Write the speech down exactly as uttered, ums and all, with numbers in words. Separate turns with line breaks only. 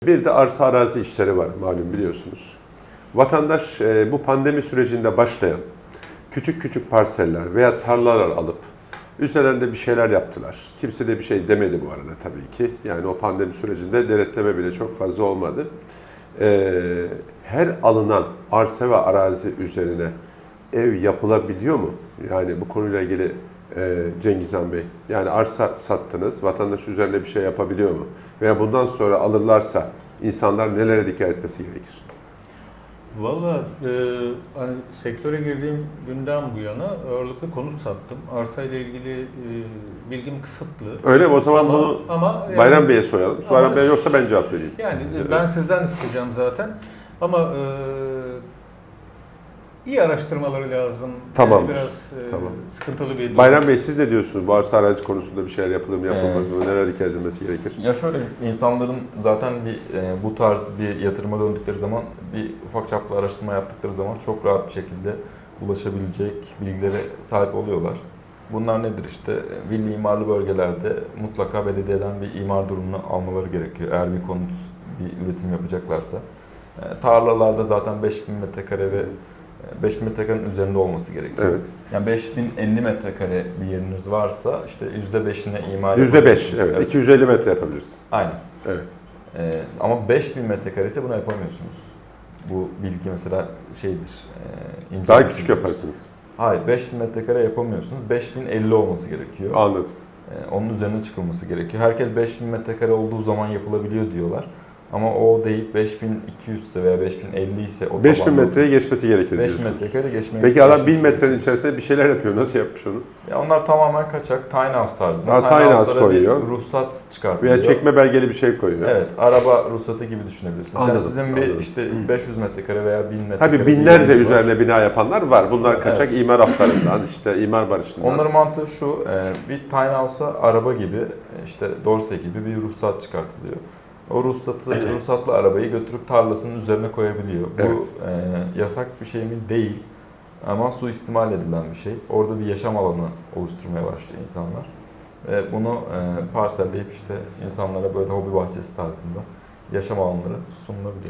Bir de arsa arazi işleri var malum biliyorsunuz. Vatandaş e, bu pandemi sürecinde başlayan küçük küçük parseller veya tarlalar alıp üzerlerinde bir şeyler yaptılar. Kimse de bir şey demedi bu arada tabii ki. Yani o pandemi sürecinde denetleme bile çok fazla olmadı. E, her alınan arsa ve arazi üzerine ev yapılabiliyor mu? Yani bu konuyla ilgili e, Cengiz Han Bey, yani arsa sattınız, vatandaş üzerine bir şey yapabiliyor mu? Veya bundan sonra alırlarsa insanlar nelere dikkat etmesi gerekir?
Valla e, hani sektöre girdiğim günden bu yana ağırlıklı konut sattım. Arsa ile ilgili e, bilgim kısıtlı.
Öyle mi? O zaman
ama,
bunu
ama yani,
Bayram Bey'e soralım. Bayram
ama-
Bey yoksa ben cevap vereyim.
Yani
Evet.
ben sizden isteyeceğim zaten. Ama e, iyi araştırmaları lazım.
Tamamdır.
Yani biraz e,
Tamam.
sıkıntılı bir durum.
Bayram Bey siz ne diyorsunuz? Bu arsa arazi konusunda bir şeyler yapılır mı yapılmaz mı? Nelere dikkat edilmesi gerekir?
Ya şöyle, insanların zaten bir e, bu tarz bir yatırıma döndükleri zaman, bir ufak çaplı araştırma yaptıkları zaman çok rahat bir şekilde ulaşabilecek bilgilere sahip oluyorlar. Bunlar nedir işte? Villi imarlı bölgelerde mutlaka belediyeden bir imar durumunu almaları gerekiyor. Eğer bir konut, bir üretim yapacaklarsa. E, tarlalarda zaten beş bin metrekare ve beş bin metrekarenin üzerinde olması gerekiyor.
Evet.
Yani beş bin elli metrekare bir yeriniz varsa işte yüzde beşine imar
yüzde beş,
yapabilirsiniz.
evet. iki yüz elli metre yapabiliriz.
Aynen.
Evet.
Ee, ama beş bin metrekare ise bunu yapamıyorsunuz. Bu bilgi mesela şeydir. E, ince
Daha
bir
küçük
bilgidir.
yaparsınız.
Hayır, beş bin metrekare yapamıyorsunuz. beş bin elli olması gerekiyor.
Anladım.
Ee, onun üzerine çıkılması gerekiyor. Herkes beş bin metrekare olduğu zaman yapılabiliyor diyorlar. Ama o değil, beş bin iki yüz ise veya beş bin elli ise o
beş bin metreyi geçmesi gerekir
beş bin
diyorsunuz.
metrekare geçmeye
Peki adam bin
geçmesi
metrenin
gerekiyor.
içerisinde bir şeyler yapıyor. Nasıl yapmış onu?
Ya onlar tamamen kaçak, tiny house tarzında.
Ha, tiny house
house'lara
koyuyor.
bir ruhsat çıkartılıyor.
Veya çekme belgeli bir şey koyuyor.
Evet, araba ruhsatı gibi düşünebilirsiniz.
Anladım,
Yani sizin bir
anladım.
işte beş yüz metrekare veya bin metrekare
Tabii
bir
binlerce
yeriniz var.
üzerine bina yapanlar var. Bunlar kaçak imar haftarından, işte imar barışından.
Onların mantığı şu, e, bir tiny house'a araba gibi, e, işte dorse gibi bir ruhsat çıkartılıyor. O ruhsatı, ruhsatlı arabayı götürüp tarlasının üzerine koyabiliyor. Bu
Evet.
e, yasak bir şey mi? Değil. Ama suistimal edilen bir şey. Orada bir yaşam alanı oluşturmaya başlıyor insanlar. Ve bunu e, parselleyip işte insanlara böyle hobi bahçesi tarzında yaşam alanları sunulabiliyor.